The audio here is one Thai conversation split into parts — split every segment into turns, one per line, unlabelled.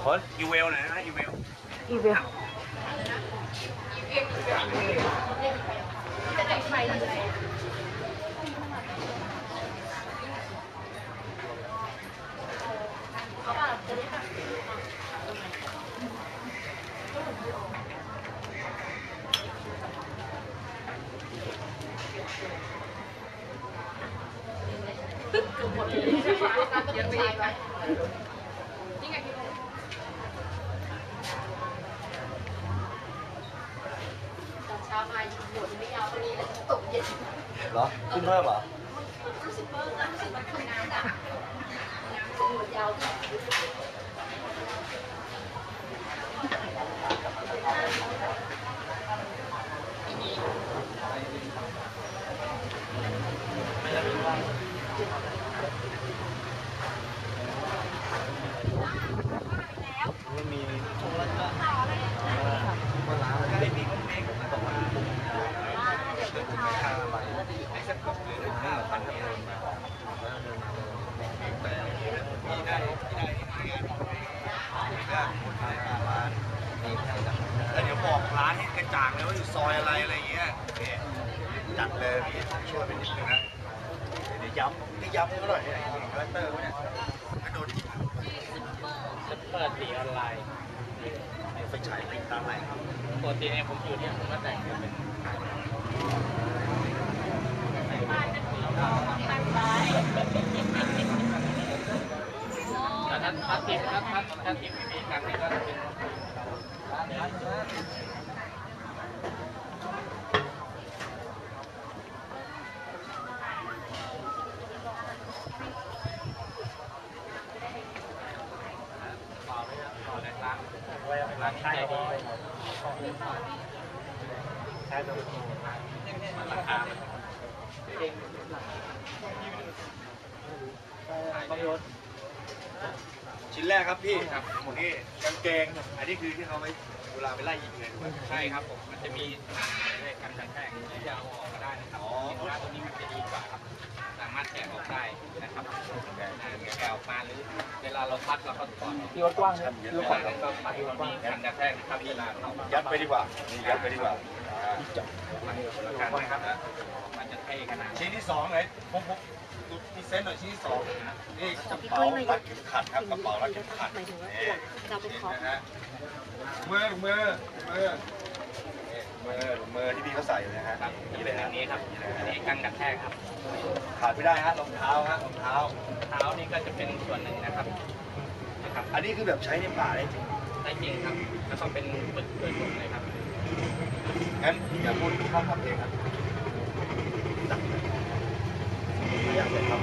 ขออีเวลหน่อยนะอีเวล
อีเวล
เหรอขึ้นเพิ่มเหรอไม่มีช่วงแรกก็ว่าร้านมันไม่มีคนเองบอกว่าค่าอะไรไอ้สักกบหรือ5,000เดินมาแต่ที่ได้ร้านนี่แค่จัดแล้วเดี๋ยวบอกร้านให้กระจ่างเลยว่าอยู่ซอยอะไรอย่างเงี้ยโอเคจัดเลยพี่ช่วยไปนิดนึงนะเดี๋ยวย้ำเขาหน่อยเนี่ยคาแรคเตอร์เนี่ยกระโดด
จะเปิดสีออนไลน์
ไฟฉายติดตามไหนครับ
ปกติเนี่ยผมอยู่เนี่ยผมก็แต่งเป็นแล้วถ้าทีมมีการนี้ก็จะเป็นร้านใจดีใช่ตัวมันราคา
ชิ้นแรกครับพี่ครับหมดนี่กางเกงอันนี้คือที่เขาไปเวลาไปไล่ยิงเลย
ใช่ครับผมมันจะมีกันแทกที่จะเอาออกมาได้นะครับสินค้าตัวนี้มันจะดีกว่าครับสามารถแกะออกได้นะครับแกะออกมาหรือเวลาเราพัดเราก็ถอด
ที่วัดกว้างนะ
ที่วัดกว้างก็ปัดมีกันกระแทกนะครับเวลาเขา
ยัดไปดีกว่ายัดไปดีกว่า
นะครับมันจะเท่ขนาด
ชิ้นที่2ไหนผมมีเซนต์หน่อยชิ้นที่2นี่กระเป๋ารัดเข็มขัดครับกระเป๋ารัดเข็มขัดนี่นะฮะมือที่พี่เขาใส่อยู่นะฮะ
นี่เลยนี้ครับอันนี้กันกระแทกครับ
ขาดไม่ได้ฮะรองเท้ารองเท้า
นี่ก็จะเป็นส่วนหนึ่งนะครับ
อันนี้คือแบบใช้ในป่าได้จริง
ครับแล้วก็เป็นปึกโดยตรงเลยครับ
งั้นอย่าพูดข้ามคำเองครับอยากเลยครับ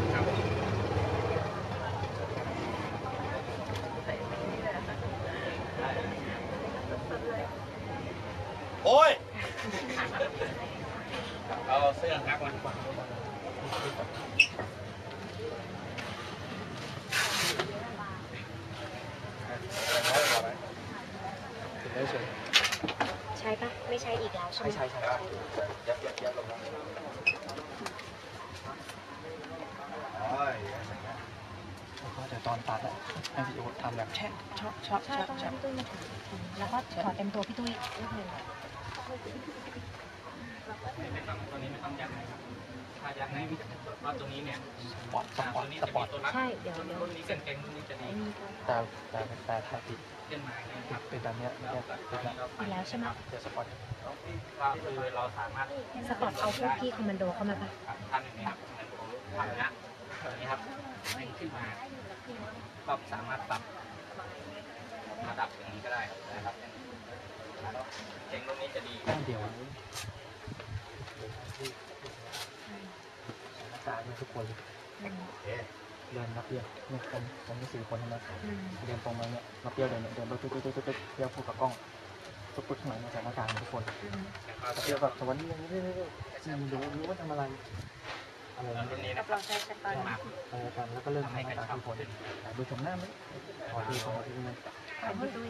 โอ้ย
เอาเสื้อครับมัน
ใช่ปะไม่ใช่อีกแล้วใช่ไหม
ใช่ยัดลงมา
เดี๋ยวตอนตัดให้พี่โอ๊ตทำแบบแช่
ใช่ต้องให้พี่ตุ้ยมาถือแล้วก็ถอดเต็มตัวพี่ตุ้ยนิดนึง
ตัวนี้ไม่ต้องยัดนะครับถ้ายัดในว่าตรงนี้เนี่ย
สปอร์ต
ใช่เดี๋ยว
รุ่นนี้เก่งรุ่นนี้จะดี
แต่ถ้าติด
ขึ้นมา
เป็นแบบนี้
ติดแล้วใช่ไหม
จะสปอร์ต
ก็คือเราสามารถ
สปอร์ตเอาพวกพี่คอมมานโดเข้ามาปะ
ทำอย่างนี้ครับทำนะนี่ครับขึ้นมาก็สามารถปรับระดับอย่างนี้ก็ได้นะครับเก่งรุ่นนี้จะดี
เดี๋ยวตายทุกคนเดินนับเดียวเนี่ยผมมี4 คนใช่ไหมเดินตรงมาเนี่ยนับเดียวเดินตุ๊กเดียวพูดกับกล้องตุ๊กข้างหลังมาใส่หน้ากากทุกคนเดียวกับสวรรค์นี่รู้ว่าทำอะไร
รุ่นนี้
กับเราใช้สปอน
กันแล้วก็เริ่มทำการทุกคนดูชมหน้าไหมขอทีไหม
พี่ตุ้ย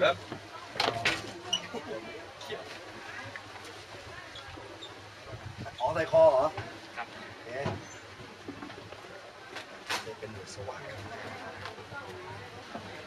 อ๋อใส่คอเหรอ
ครับ
เป็นหน่วยสว่าง